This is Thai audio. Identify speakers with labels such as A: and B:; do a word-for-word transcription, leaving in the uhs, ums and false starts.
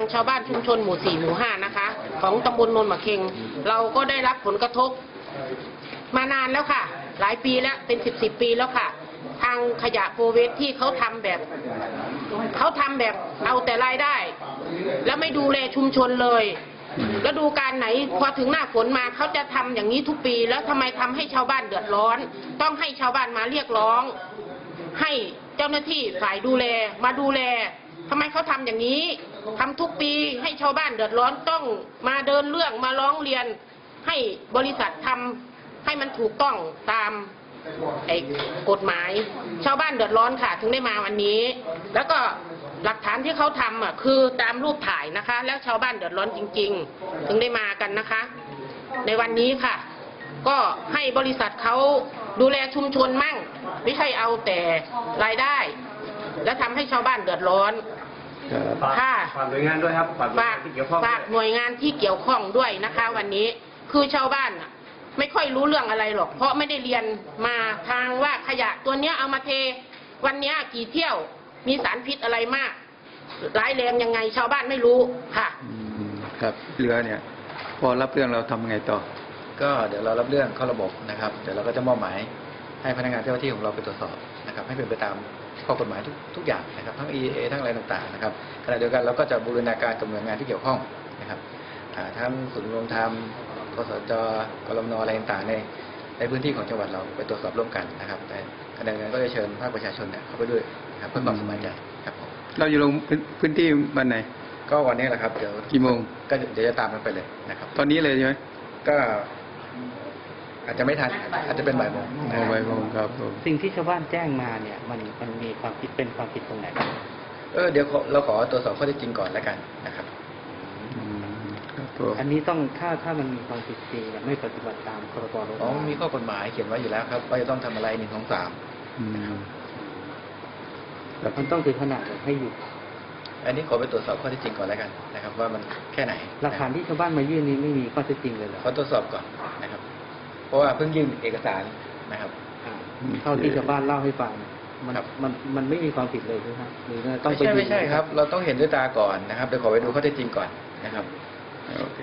A: ชาวบ้านชุมชนหมู่สี่หมู่ห้านะคะของตำบลโนนมะเค็งเราก็ได้รับผลกระทบมานานแล้วค่ะหลายปีแล้วเป็นสิบสิบปีแล้วค่ะทางขยะโฟเวสที่เขาทำแบบเขาทำแบบเอาแต่รายได้แล้วไม่ดูแลชุมชนเลยแล้วดูการไหนพอถึงหน้าฝนมาเขาจะทำอย่างนี้ทุกปีแล้วทำไมทำให้ชาวบ้านเดือดร้อนต้องให้ชาวบ้านมาเรียกร้องให้เจ้าหน้าที่ฝ่ายดูแลมาดูแลทำไมเขาทำอย่างนี้ทำทุกปีให้ชาวบ้านเดือดร้อนต้องมาเดินเรื่องมาร้องเรียนให้บริษัททำให้มันถูกต้องตามไอ้กฎหมายชาวบ้านเดือดร้อนค่ะถึงได้มาวันนี้แล้วก็หลักฐานที่เขาทำอ่ะคือตามรูปถ่ายนะคะแล้วชาวบ้านเดือดร้อนจริงๆถึงได้มากันนะคะในวันนี้ค่ะก็ให้บริษัทเขาดูแลชุมชนมั่งไม่ใช่เอาแต่รายได้แล้วทำให้ชาวบ้านเดือดร้อนค่ะ
B: ฝากหน่วยงานด้วยครับฝาก
A: ฝากหน่วยงานที่เกี่ยวข้องด้วยนะคะวันนี้คือชาวบ้านไม่ค่อยรู้เรื่องอะไรหรอกเพราะไม่ได้เรียนมาทางว่าขยะตัวเนี้ยเอามาเทวันนี้กี่เที่ยวมีสารพิษอะไรมากร้ายแรงยังไงชาวบ้านไม่รู้ค่ะ
C: ครับเรือเนี่ยพอรับเรื่องเราทำไงต่อ
D: ก็เดี๋ยวเรารับเรื่องเข้าระบบนะครับเดี๋ยวเราก็จะมอบหมายให้พนักงานเจ้าหน้าที่ของเราไปตรวจสอบนะครับให้เป็นไปตามข้อกฎหมายทุกทุกอย่างนะครับทั้ง อี เอ ทั้งอะไรต่างๆนะครับขณะเดียวกันเราก็จะบูรณาการกับหน่วยงานที่เกี่ยวข้องนะครับทั้งศูนย์ดำรงธรรมกสจกรมนอะไรต่างๆในในพื้นที่ของจังหวัดเราไปตรวจสอบร่วมกันนะครับแต่ขณะเดียวกันก็จะเชิญภาคประชาชนเนี่ยเข้าไปด้วยนะครับเพื่อความสบายใจครับผม
C: เราอยู่ลงพื้นที่วันไหน
D: ก็วันนี้แหละครับเดี๋ยว
C: กี่โมง
D: ก็เดี๋ยวจะตามกันไปเลยนะครับ
C: ตอนนี้เลยใช่ไหม
D: ก็อาจจะไม่ทันอาจจะเป็นบ่ายโมง
C: บ่ายโมงครับ
E: สิ่งที่ชาวบ้านแจ้งมาเนี่ยมันมันมีความผิดเป็นความผิดตรงไหนบ้าง
D: เออเดี๋ยวเราขอตรวจสอบข้อเท็จจริงก่อนแล้วกันนะครับ
E: อันนี้ต้องถ้าถ้ามันมีความผิดจริงไม่ปฏิบัติตามพรบรถ
D: อ๋อมีข้อกฎหมายเขียนไว้อยู่แล้วครับว่าจะต้องทำอะไรหนึ่งสองสาม
E: มันต้องถึงขนาดให้หยุด
D: อันนี้ขอไปตรวจสอบข้อเท็จจริงก่อนแล้วกันนะครับว่ามันแค่ไหน
E: หลักฐานที่ชาวบ้านมายื่นนี้ไม่มีข้อเท็จจริงเลยเหรอ
D: ขอตรวจสอบก่อนนะครับเพราะว่าเพิ่งยื่นเอกสารนะครับ
E: เท่าที่ชาวบ้านเล่าให้ฟังมันมันมันไม่มีความผิดเลยใช่ไหมหรือ
D: ต้องไม่ใช่ไม่ใช่ครับเราต้องเห็นด้วยตาก่อนนะครับเดี๋ยวขอไปดูข้อเท็จจริงก่อนนะครับ